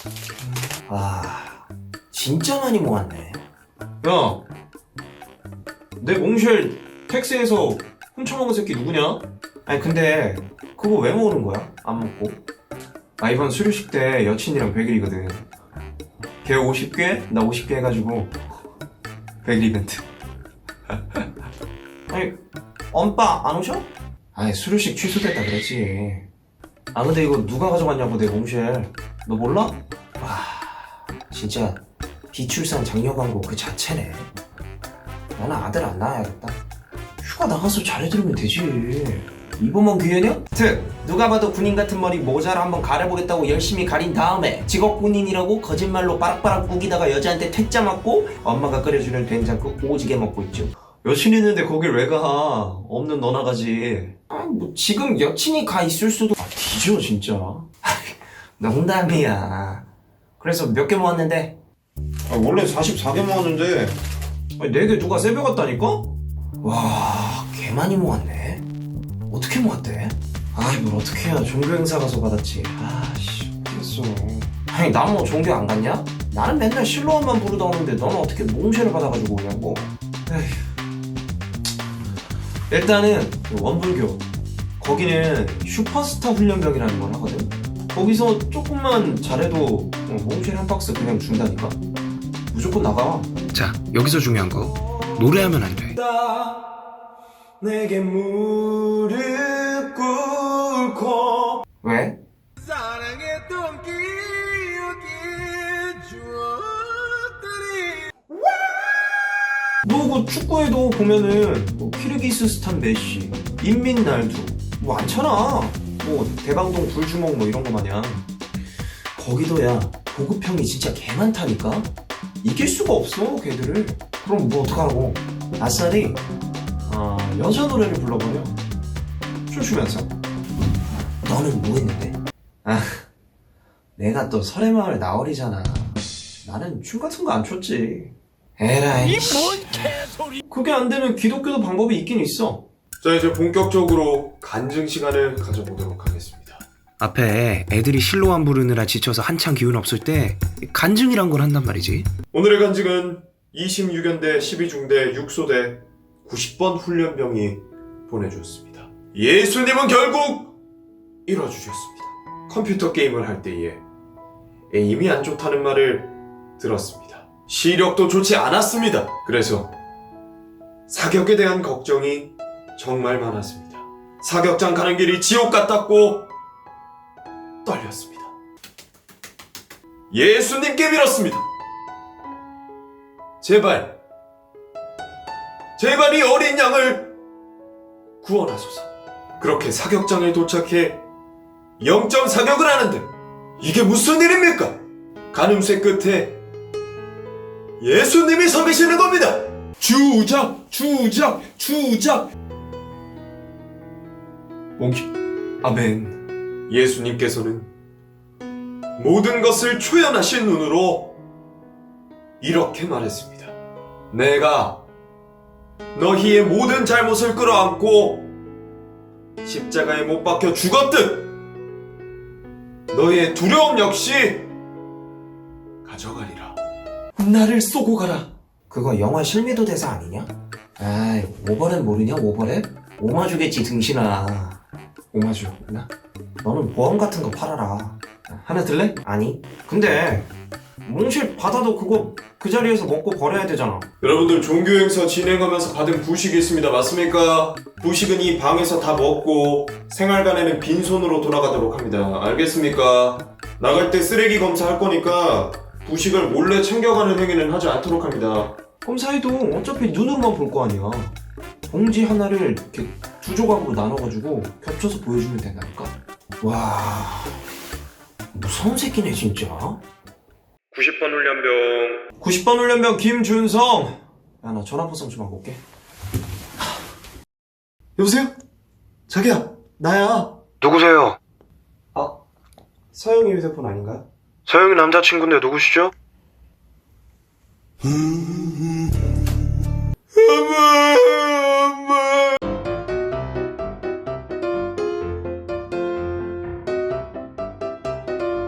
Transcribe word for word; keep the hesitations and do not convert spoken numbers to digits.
아, 진짜 많이 모았네. 야, 내 몽쉘 택시에서 훔쳐먹은 새끼 누구냐? 아니 근데 그거 왜 모으는 거야? 안 먹고? 아, 이번 수료식 때 여친이랑 백 일이거든. 걔 오십 개, 나 오십 개 해가지고 백 일 이벤트. 아니 엄빠 안 오셔? 아니, 수료식 취소됐다 그랬지. 아 근데 이거 누가 가져갔냐고 내 몽쉘. 너 몰라? 와 진짜 비출산 장려 광고 그 자체네. 나는 아들 안 낳아야겠다. 휴가 나가서 잘해드리면 되지. 이번만 기회냐? 특 누가 봐도 군인 같은 머리 모자를 한번 가려보겠다고 열심히 가린 다음에 직업 군인이라고 거짓말로 빠락빠락 우기다가 여자한테 퇴짜 맞고 엄마가 끓여주는 된장국 오지게 먹고 있죠. 여친 있는데 거길 왜 가? 없는 너나 가지. 아니 뭐 지금 여친이 가 있을 수도. 아, 뒤져 진짜. 농담이야. 그래서 몇 개 모았는데? 아, 원래 사십사 개 모았는데 아니, 네 개 누가 세배 갔다니까? 와, 개 많이 모았네. 어떻게 모았대? 아이, 뭘 어떻게 해야 종교 행사 가서 받았지. 아씨, 어떡했어. 아니, 난 뭐 종교 안 갔냐? 나는 맨날 실로원만 부르다 오는데 너는 어떻게 몽쉘을 받아가지고 오냐고. 에휴. 일단은 원불교, 거기는 슈퍼스타 훈련병이라는 걸 하거든. 거기서 조금만 잘해도 몽쉘 한 박스 그냥 준다니까. 무조건 나가. 자, 여기서 중요한 거. 노래하면 안 돼. 내게 무릎 꿇고. 왜? 사랑했던 기억이 주었더니 너 그 축구에도 보면은 뭐 키르기스스탄 메시, 인민날두 뭐 많잖아. 뭐 대방동 불주먹 뭐 이런 거 마냥. 거기도 야, 보급형이 진짜 개 많다니까? 이길 수가 없어 걔들을. 그럼 뭐 어떡하라고? 아싸리 아, 여자 노래를 불러버려. 춤추면서. 너는 뭐 했는데? 아, 내가 또 설해마을 나얼이잖아. 나는 춤 같은 거 안 췄지. 에라이. 그게 안 되면 기독교도 방법이 있긴 있어. 자, 이제 본격적으로 간증 시간을 가져보도록 하겠습니다. 앞에 애들이 실로안 부르느라 지쳐서 한창 기운 없을 때 간증이란 걸 한단 말이지. 오늘의 간증은 이십육 연대 십이 중대 육소대 구십 번 훈련병이 보내주었습니다. 예수님은 결국 이뤄주셨습니다. 컴퓨터 게임을 할 때에 에임이 안 좋다는 말을 들었습니다. 시력도 좋지 않았습니다. 그래서 사격에 대한 걱정이 정말 많았습니다. 사격장 가는 길이 지옥 같았고 떨렸습니다. 예수님께 빌었습니다. 제발, 제발 이 어린 양을 구원하소서. 그렇게 사격장에 도착해 영점 사격을 하는데 이게 무슨 일입니까? 가늠쇠 끝에 예수님이 서 계시는 겁니다. 주작, 주작, 주작. 몽키, 아멘. 예수님께서는 모든 것을 초연하신 눈으로 이렇게 말했습니다. 내가 너희의 모든 잘못을 끌어안고 십자가에 못 박혀 죽었듯 너희의 두려움 역시 가져가리라. 나를 쏘고 가라. 그거 영화 실미도 대사 아니냐? 아이, 오버랩 모르냐, 오버랩? 오마주겠지, 등신아. 오마주 나? 너는 보험 같은 거 팔아라. 하나 들래? 아니, 근데 몽쉘 받아도 그거 그 자리에서 먹고 버려야 되잖아. 여러분들 종교 행사 진행하면서 받은 부식이 있습니다. 맞습니까? 부식은 이 방에서 다 먹고 생활관에는 빈손으로 돌아가도록 합니다. 알겠습니까? 나갈 때 쓰레기 검사할 거니까 부식을 몰래 챙겨가는 행위는 하지 않도록 합니다. 검사해도 어차피 눈으로만 볼 거 아니야. 봉지 하나를 이렇게 두 조각으로 나눠가지고 겹쳐서 보여주면 된다니까? 와, 무서운 새끼네, 진짜. 구십 번 훈련병 구십 번 훈련병 김준성. 야, 나 전화번호 좀 하고 올게. 여보세요? 자기야, 나야. 누구세요? 아, 서영이 휴대폰 아닌가요? 서영이 남자친구인데 누구시죠? 음...